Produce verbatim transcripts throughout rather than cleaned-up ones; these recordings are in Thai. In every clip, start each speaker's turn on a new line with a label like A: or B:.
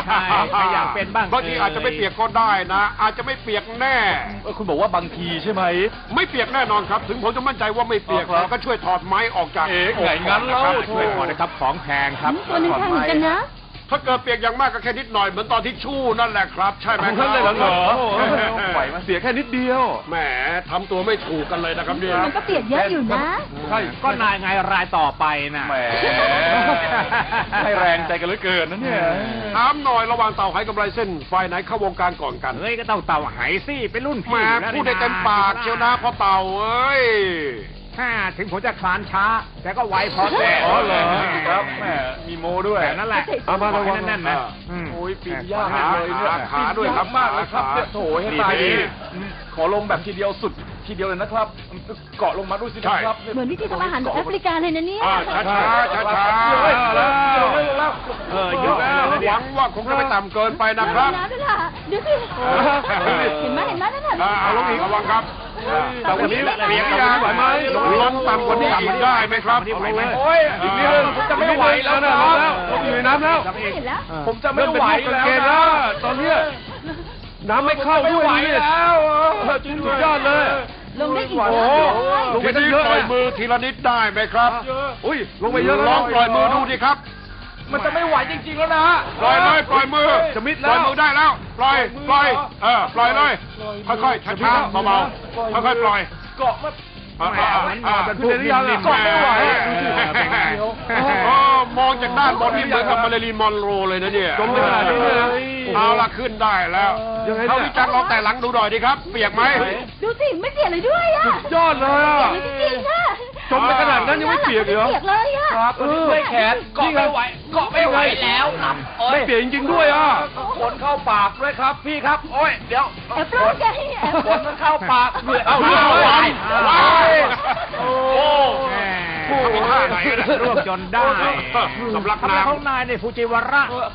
A: ใช่ใครอยากเป็นบ้าง
B: บางทีอาจจะไม่เปียกก็ได้นะ อาจจะไม่เปียกแน่
C: คุณบอกว่าบางทีใช่ไหม
B: ไม่เปียกแน่นอนครับ ถึงผมจะมั่นใจว่าไม่เปียก
C: ครับ
B: แต่ก็ช่วยถอดไม้ออกจาก
C: เอ๊ะไงงั้นเล่า
B: ครับ
A: ช่วยขอนะครับของแพงครับ
D: ตัวหนึงแพงเหมือนกันนะ
B: ถ้าเกิดเปียกอย่างมากก็แค่นิดหน่อยเหมือนตอนที่ชู่นั่นแหละครับ ใช่ไหมครั
C: นั่นเลยเหรอเหรอ
B: ไหว
C: เสียแค่นิดเดียว
B: แหมทำตัวไม่ถูกกันเลยนะครับเนี่ย
D: มันก็เปียกเยอะอยู่นะ
C: ใช่
A: ก็นายไงรายต่อไปน่ะ
C: แหมให้แรงใจกันเหลือเกินนะเนี่ย
B: ถามหน่อยระหว่างเต่าไหกำไรเส้นฝ่ายไหนเข้าวงการก่อนกัน
A: เฮ้ยก็ต้องเต่าไหสิเป็นรุ่น
B: แหม
A: พี่อยู่แล้ว
B: พูดได้เต็มปากเชียวนะพ่อเต่าเอ้ย
A: ถ้าถึงผมจะคลานช้า แต่ก็ไวพอแน่
C: อ๋อเหรอครับแหมมีโมด้วย
A: แต่นั่นแหละ
C: เอามาระวัง
A: แน่นๆนะ
B: อ่า
A: อืม
C: โอ้ยปีนยาก
B: ขา
C: เลยเนี่ย
B: ขาขาด้วยครับ
C: ปีนมากเลยครับเนี่ยโถให้ตาย
B: ดี
C: ดี
B: ดี
C: ขอลงแบบทีเดียวสุดทีเดียวเลยนะครับ เกาะลงมาด้วยสิครับ
D: เหมือนวิธีทำอาหารแบบแอฟริกาเลยนะเนี่ย
B: อ่าช้าช้าช้าช้า
C: เฮ้ยแล้วแล้ว
A: เออเยอะแล้ว
B: หวังว่าคงจะไม่ต่ำเกินไปนะครับ
D: น้ำด้วยล่ะดูสิเห็นไหมเห็นไหมนั่นน่ะ
B: อ่าเอาลงอีกระวังครับ
C: แต่วันนี้
B: เปียกยาง
C: ไหวไหม
B: ลงต่ำกว่านี้อีกได้ไหมครับ
A: เอาลงเลย
C: โอ้ยอีกนิดนึงผมจะไม่ไหวแล้วนะผมอยู่ในน้ำแล้ว
D: ไม่เห็นแล้ว
C: ผมจะไม่ไหวแล้วนะตอนเนี้ยน้ำไม่เข้าด้วยนี่แล้วสุดยอดเลย
D: ลงได้อีก
B: โอ้
D: แล้ว
B: ลงไปทีนี้ปล่อยมือทีละนิดได้ไหมครับ
C: อุ้ยลงไปเยอะแล้ว
B: ลองปล่อยมือดูดิครับ
C: มันจะไม่ไหวจริงๆแล้วนะ
B: ปล่อยเลยปล่อยมือ
C: จะมิด
B: ป
C: แล้
B: ล่อยว มือได้แล้ว ปล่อย ปล่อย เออ ปล่อยเลย ค่อยๆ ช้าๆ เบาๆ ค่อยๆ ปล่อย
C: เกาะมัน
B: อ่าอ่าอ่า
A: เป็นพวกนิ่มๆ
C: เกาะไม่ไหว
B: โอ้มองจากด้านบนนี่เหมือนกับมาริลีนมอนโรเลยนะเนี่ย
C: จมไปขนาดนี้เนี่ย
B: เอาละขึ้นได้แล้ว
C: ยังไงเนี่ย
B: เขาวิจารณ์ลองแต่หลังดูหน่อยดิครับ เปียกไหม
D: ดูสิไม่เปียกเลยด้วยอ่ะ
C: ยอดเลยอ่ะ
D: เปียกเลยจริงๆนะ
C: จมไปขนาดนั้นยังไม่เปียกเหรอ
D: เปียกเลยอ่ะ
C: ครับด้วยแขนเกาะไม่ไหวเกาะไม่ไหวแล้วไม่เปียกจริงๆด้วยอ่ะขนเข้าปากด้วยครับพี่ครับโอ้ยเดี๋ยว
D: แอบร้อนไงแอบ
C: ขนมันเข้าปากด้วย
B: เอา
C: เอา
B: เรื่
C: เรื่
B: อ
C: อง ง
B: ไว้
C: ไว้
B: ไว้
C: โอ้
B: โอ้
A: แหม
B: ทำท่าไหนนะ
A: รวบจนได้
B: สำลัก
A: ทำไม
B: น้ำ
A: เขานายเนี่ยฟูจิวาระ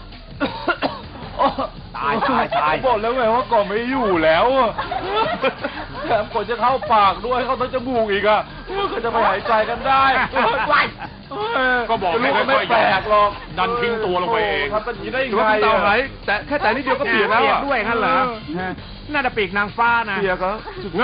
A: ตายตายตาย
C: บอกแล้วไงว่าก่อนไม่อยู่แล้วอะแถมก่อนจะเข้าปากด้วยเข้าทั้งจมูกอีกอ่ะก็จะไปหายใจกันได้ไ
B: ก็บอกให้
C: ไม่
B: ค่อยๆ
C: แปลกหรอก
B: ดันทิ้งตัวลงไปเอง
C: ทำกันอย่างนี้ได้ยังไงเต่าไหนแต่แค่แต่นิดเดียวก็เปียกแล้ว
A: เปียก
C: อะ
A: ด้วยงั้นเหรอน่าจะปีกนางฟ้านะ
C: เปียกเหรอ